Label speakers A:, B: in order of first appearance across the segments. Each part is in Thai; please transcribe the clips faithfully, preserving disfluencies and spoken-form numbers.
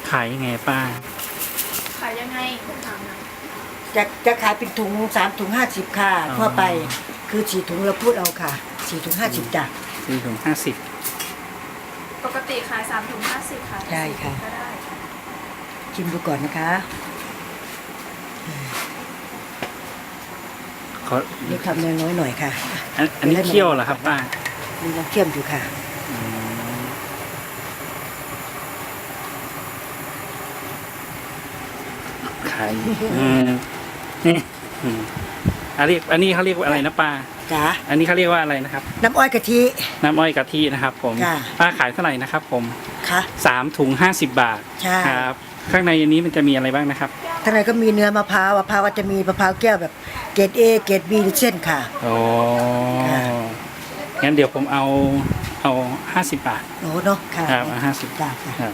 A: ขายยังไงป้า
B: ขายยังไงคุณถามนะ
C: จะจะขายเป็นถุงสามถุงห้าสิบค่ะทั่วไปคือสี่ถุงเราพูดเอาค่ะสี่ถุงห้าสิบจ้ะ
A: สี่ถุงห้าสิบ
B: ปกติขายสามถุงห้าสิบค่ะ
C: ได้ค่ะ
B: ก็ได้
C: ชิมดูก่อนนะคะ
A: ขอ
C: นี่ทำน้อยๆหน่อยค่ะ
A: อันอันนี้เคี่ยวเหรอครับป้า
C: มีน้ำเคี่ยวอยู่ค่ะ
A: ขายนี่อันนี้อันนี้เขาเรียกว่าอะไรนะป้า
C: จ๋า
A: อันนี้เขาเรียกว่าอะไรนะครับ
C: น้ำอ้อยกะทิ
A: น้ำอ้อยกะทินะครับผมป้าขายเท่าไหร่นะครับผม
C: ค่ะ
A: สามถุงห้าสิบบาท
C: ใช่
A: ครับข้างในอันนี้มันจะมีอะไรบ้างนะครับ
C: ข้างในก็มีเนื้อมะพร้าวมะพร้าวก็จะมีมะพร้าวแก้วแบบเกรด A เกรด B หรือเส้นค่ะ
A: โอ้งั้นเดี๋ยวผมเอาเอาห้าสิบบาท
C: โอ้เนาะค่ะ
A: ครับห้าสิบบาทครับ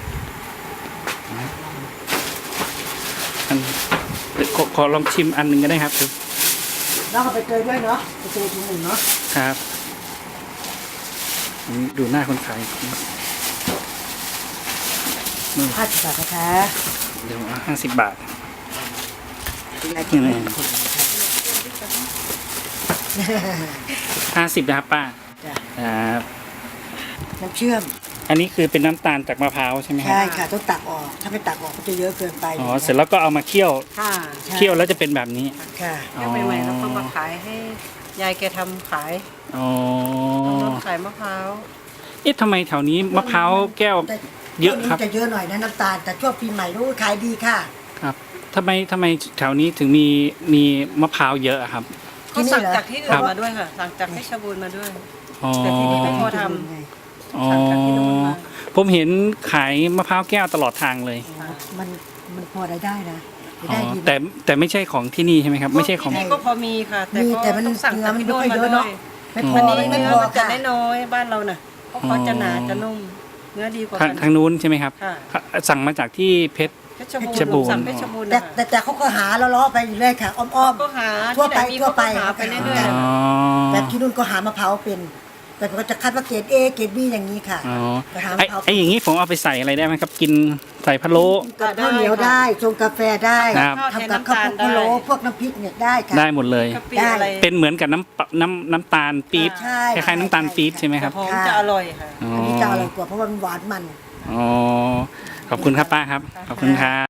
A: ขอขอลองชิมอันหนึ่งก็ได้ครับคือ
C: น้องเอาไปเตยด้วยเนาะไปเตยถุงหนึ่งเนาะ
A: ครับดูหน้าคนขาย
C: ห้าสิบบาทนะคะ
A: เดี๋ยวห้าสิบบาทห้าสิบนะครับป้าครับ
C: น้ำเชื่อม
A: อันนี้คือเป็นน้ำตาลจากมะพร้าวใช่ไหมครับ
C: ใช่ค่ะต้องตักออกถ้าไม่ตักออกก็จะเยอะเกินไป
A: อ๋อเสร็จแล้วก็เอามาเคี่ยว
C: ค่ะ
A: เคี่ยวแล้วจะเป็นแบบนี้
C: ค่ะ
D: เคี่ยวใหม่ๆแล้วก็มาขายให้ยายแกทำขาย
A: อ๋อ
D: ขายมะพร้าว
A: เอ๊ะทำไมแถวนี้มะพร้าวแก้วเยอะครับ
C: จะเยอะหน่อยนะน้ำตาลแต่ช่วงปีใหม่รู้ขายดีค่ะ
A: ครับทำไมทำไมแถวนี้ถึงมีมีมะพร้าวเยอะครับ
D: เขาสั่งจากที่อื่นมาด้วยค่ะสั่งจากเพชรบูรณ์มาด้วยแต่ที่นี่ไม่พอทำสั่งจากที่นู่นมา
A: ผมเห็นขายมะพร้าวแก้วตลอดทางเลย
C: มันมันพอได้ได้นะ
A: ได้ดีแต่แต่ไม่ใช่ของที่นี่ใช่ไหมครับไม่ใช่ของ
D: ที่นี่ก็พอมีค่ะแต่ก็ต้องสั่งจากที่นู่นมาด้วย
C: ไม่พอ
D: ไม่พอจะได้น้อยบ้านเราน่ะเพราะเขาจะหนาจะนุ่มเนื้อดีกว่า
A: ทางนู้นใช่ไหมครับสั่งมาจากที่เพชร
D: เพชรบูรณ์เพชรบูรณ์
C: แต่แต่เขาก็หาล้อๆไปอยู่เลยค่ะอ้อมๆ
D: ก็หา
C: ทั่วไปทั่วไป
D: หาไปเรื่อย
C: ๆแบบที่นู่นก็หามะพร้าวเป็นแต่ก็จะคัดว่าเกรด A เกรด B อย่างนี้ค่ะ
A: อ๋อไอ้อย่างนี้ผมเอาไปใส่อะไรได้ไหมครับกินใส่พะโล้
C: กับข้าวเหนียวได้ชงกาแฟได้ทำกับข้าวพะโล้พวกน้ำพริกเนี่ยได้ค่ะ
A: ได้หมดเลย
C: ได้
A: เป็นเหมือนกับน้ำน้ำน้ำตาลปี๊บคล้ายๆน้ำตาลปี๊บใช่ไหมครับ
D: หอมจะอร่อยค่ะ
C: อันนี้จะอร่อยกว่าเพราะว่ามันหวานมัน
A: อ๋อขอบคุณครับป้าครับขอบคุณครับ